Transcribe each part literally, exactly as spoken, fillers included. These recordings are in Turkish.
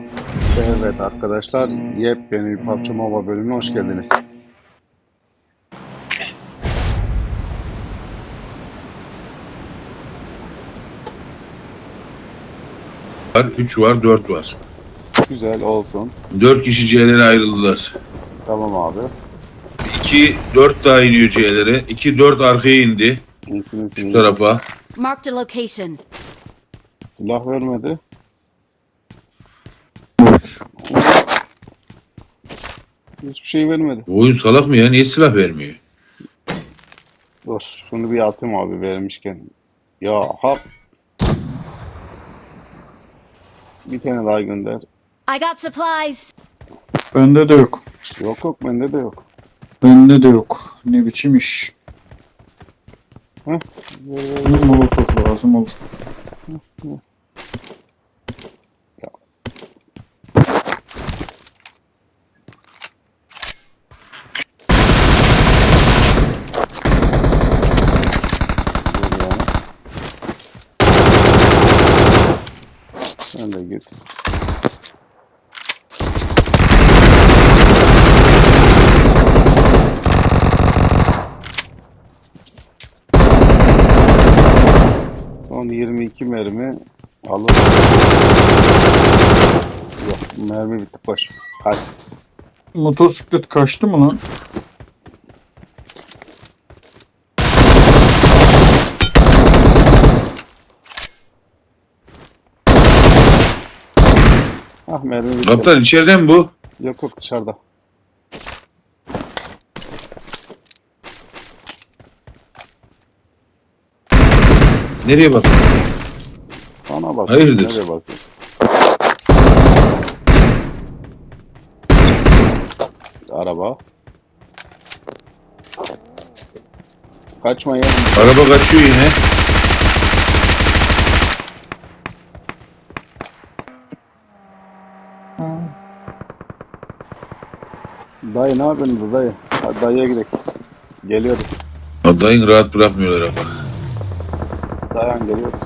Evet arkadaşlar, yepyeni bir P U B G Mobile bölümüne hoş geldiniz. var, üç var, dört var. Güzel olsun. dört kişi C'lere ayrıldılar. Tamam abi. iki, dört daha iniyor C'lere. iki, dört arkaya indi. İyisin iyisin Şu iyidir. tarafa. Marked a location. Silah vermedi. Hiçbir şey vermedi. Bu oyun salak mı ya? Niye silah vermiyor? Dur, şunu bir atayım abi vermişken. Ya hap. Bir tane daha gönder. I got supplies. Bende de yok. Yok yok bende de yok. Bende de yok. Ne biçim iş. Heh. Ver, ver, ver. Bir molotof lazım olur. Ya. Dur yani. Sen de git. Son yirmi iki mermi alır. Yok, mermi bitti koş. Kaç. Motosiklet kaçtı mı lan? Ah mermi bitti. Kaptan içeride mi bu? Yok yok dışarıda. Nereye bak? Bana bak. Hayırdır? Nereye bakıyorsun? Araba. Kaçma ya. Araba kaçıyor yine. Dayı ne yapıyorsun dayı? Hadi dayıya gidelim. Geliyoruz. Adayın rahat bırakmıyorlar ama. Dayan geliyoruz.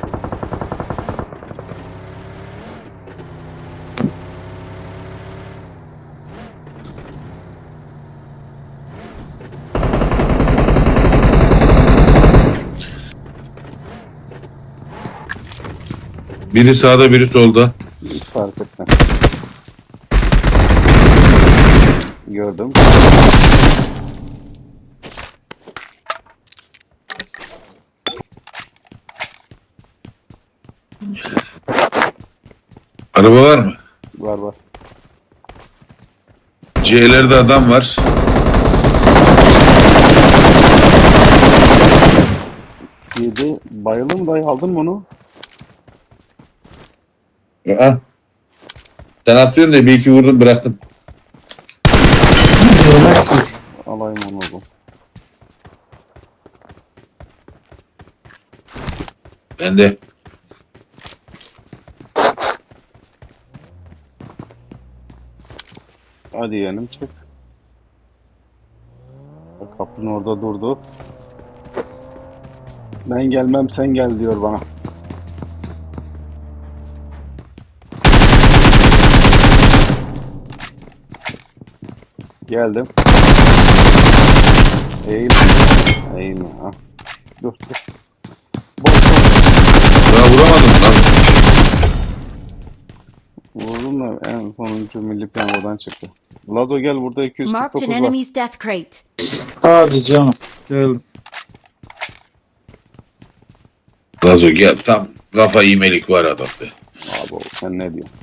Biri sağda, biri solda. Hiç fark etmez. Gördüm. Araba var mı? Var var. C'lerde adam var. Yedi. Bayıldı mı dayı? Aldın mı onu? Aa. Sen atıyorsun da bir iki vurdum bıraktım. Yemek dur. Alayım onu oğlum. Ben de. Hadi yeğenim çık. Bak, kapının orada durdu. Ben gelmem sen gel diyor bana. Geldim. Eğil. Eğilme. Ha. Dur dur. Boş boş. Daha vuramadım lan. Vurdum da en sonuncu milli piyangodan çıktı. Lazo gel burada Marked an iki yüz kırk dokuz var. enemy's death crate. Hadi canım. Geldim. Gazo gel tam kafa yemelik var adamda. Abi oğlum, sen ne diyorsun?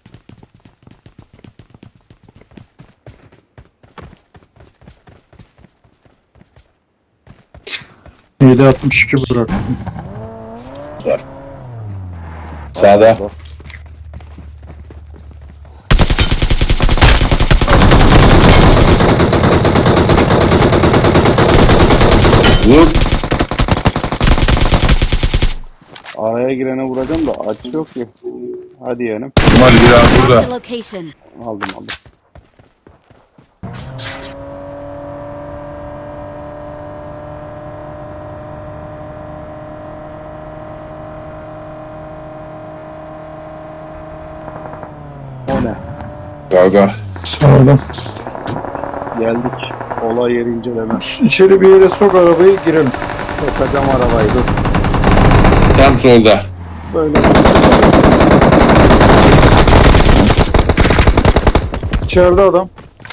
yedi altmış iki bıraktım. Var. Sağda. Bak, Vur. araya girene vuracağım da aç yok ki. Hadi yeğenim. Kemal bir an Marked a burada. location. Aldım aldım. O ne? Sağda. Sağdan. Geldik. Olay yeri inceleme. İçeri bir yere sok arabayı girelim. Sokacağım arabayı dur. Tam solda. Böyle. İçeride adam.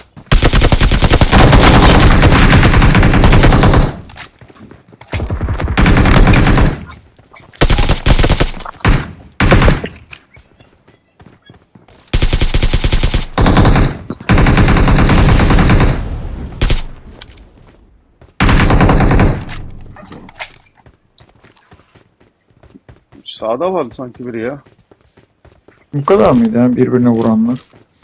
Sağda vardı sanki biri ya. Bu kadar mıydı yani birbirine vuranlar?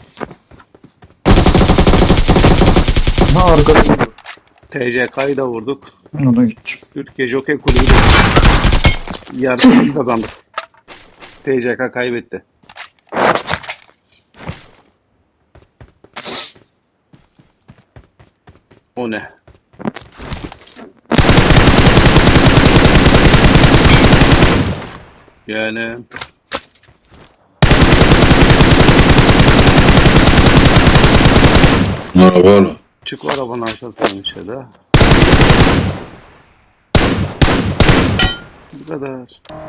Ha arkada. T C K'yı da vurduk. Ona gideceğim. Türkiye Jockey Kulübü de yarışı biz kazandık. T C K kaybetti. O ne? Yani Araba oğlum. çık arabanın aşağısına içeri. Bu kadar.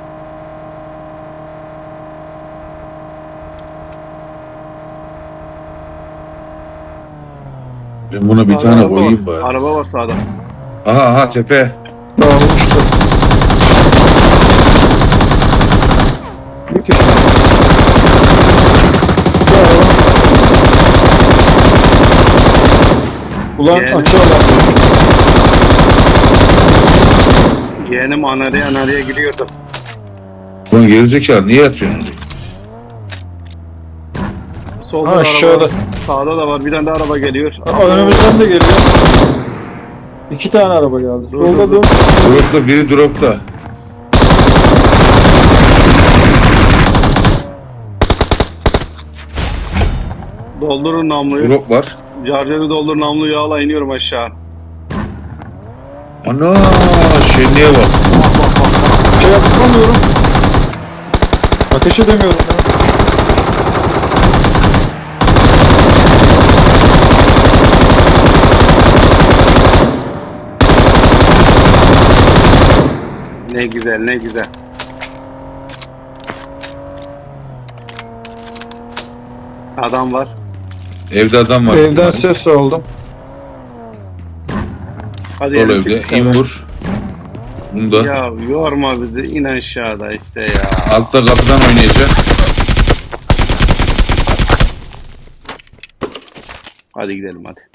Ben buna bir Sağda tane araba koyayım var. bari. Araba var sağda. Aha aha tepe. Dağılmıştı. Bir kişi. Bir araba. Ulan Yani- açı alan. Yeğenim anarıya anarıya gidiyordu. Ulan gerizekalı niye yatıyorsun? Solda Ha, da aşağıda. araba var. Sağda da var. Bir tane de araba geliyor. Aa, önümüzden de geliyor. İki tane araba geldi. Dur, Solda dur, dur. Dropta biri dropta. Doldurun namluyu. Drop var. Carcarı doldur namluyu yağla iniyorum aşağı. Ana şenliğe bak. Şey yapamıyorum. Ateş edemiyorum ya. Ne güzel ne güzel. Adam var. Evde adam var. Evden ses aldım. Hadi Sol yeğenim, evde. çık İn dışarı. vur. Bunda. Ya yorma bizi. İn aşağıda işte ya. Altta kapıdan oynayacak. Hadi gidelim hadi.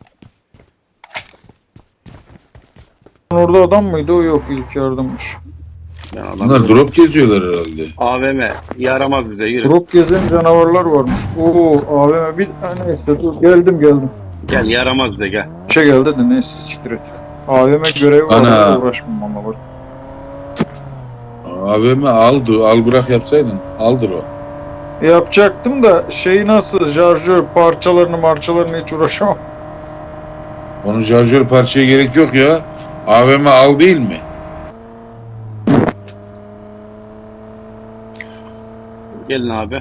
Orada adam mıydı? O yok, ilk yardımmış. Ben Bunlar adam drop geziyorlar herhalde. A V M yaramaz bize yürü. Drop gezen canavarlar varmış. Oo, A V M bir tane neyse dur. Geldim geldim. Gel yaramaz bize gel. Şey geldi de neyse siktir et. A V M görevi var. Ana. Ana. Uğraşmam valla bak. A V M aldı. Al bırak yapsaydın. Aldır o. Yapacaktım da şey nasıl şarjör parçalarını marçalarını hiç uğraşamam. Onun şarjör parçaya gerek yok ya. A V M al değil mi? Gelin abi.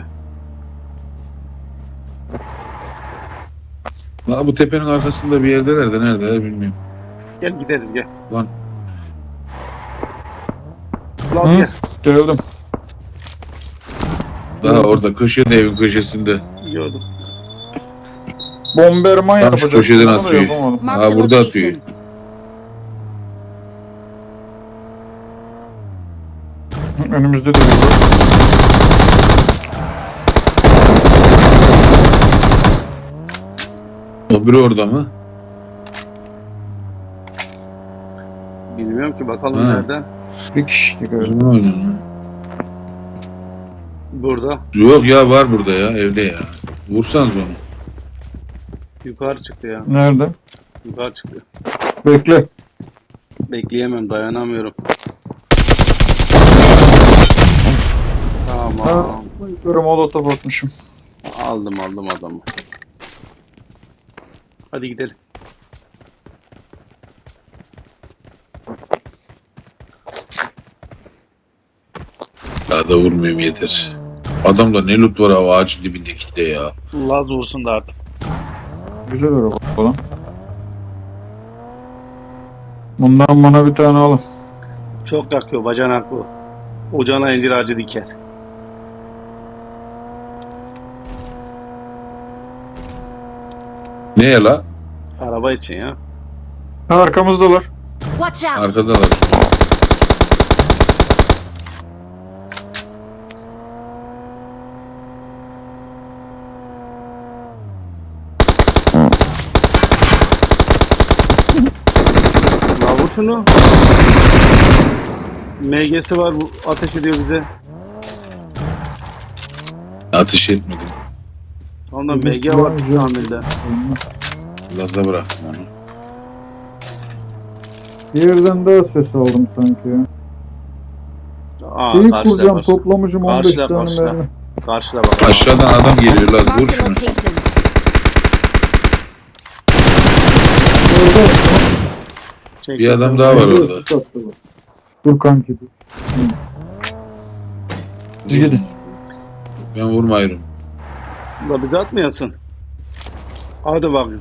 Ha, bu tepenin arkasında bir yerdeler de nerede bilmiyorum. Gel gideriz gel. Lan. Lan Hı? gel. Geldim. Daha orada köşede evin köşesinde. Yiyordum. Bomberman Tam şu yapacaktım köşeden ama da atıyor. yapamadım. Marked a Aa, burada atıyor. location. Önümüzde de burada. O biri orada mı? Bilmiyorum ki bakalım Ha. nereden. Bir kişi gördüm. Orada mı oynuyorsun? Burada. Yok ya var burada ya evde ya. Vursanız onu. Yukarı çıktı ya. Nerede? Yukarı çıktı. Bekle. Bekleyemem dayanamıyorum. Ha, Tamam. yukarı molotof atmışım. Aldım aldım adamı. Hadi gidelim. Daha da vurmayayım yeter. Adamda ne loot var abi ağacın dibindeki de ya. Laz vursun da artık. Güzel araba falan. Bundan bana bir tane alın. Çok yakıyor bacanak bu. Ocağına incir ağacı diker. Ne ya la? Araba için ya. Ha, arkamızdalar. Watch out! Arkadalar. La vur şunu. M G'si var bu ateş ediyor bize. Ateş etmedim. Ondan M G var tamirde. Laz'a bıraktım onu. Bir yerden daha ses aldım sanki ya. Aa İyi karşıda kuracağım, var. toplamışım on beş Karşıda, tane karşıda. mermi. Karşıda bak. Aşağıdan adam geliyor Laz. Vur Marked a şunu. location. Orada Çek, Bir adam çek. daha var Dur, orada. dur, dur. Dur kanki dur. Siz gidin. Ben vurmayırım. La bize atmayasın. Hadi bakayım.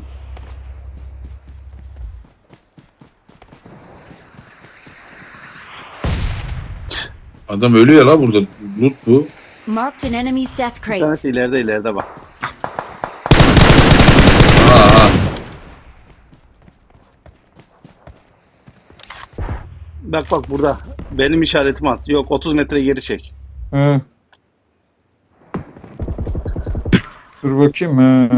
Adam ölüyor la burada. Loot bu. Marked an enemy's death Bir crate. tanesi ileride ileride bak. Aha aha. Bak bak burada. Benim işaretimi at. Yok otuz metre geri çek. He. Dur bakayım. He.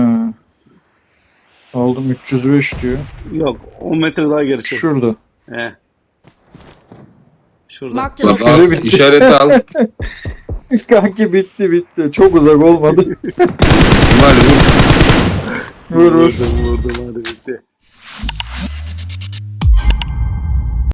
Aldım üç yüz beş diyor. Yok on metre daha geri çek. Şurada. He. Şurada. Marked a Bak location. al, işareti al. Kanki bitti bitti. Çok uzak olmadı. Cumali vur. Vur vur. Vurdum vurdum hadi bitti.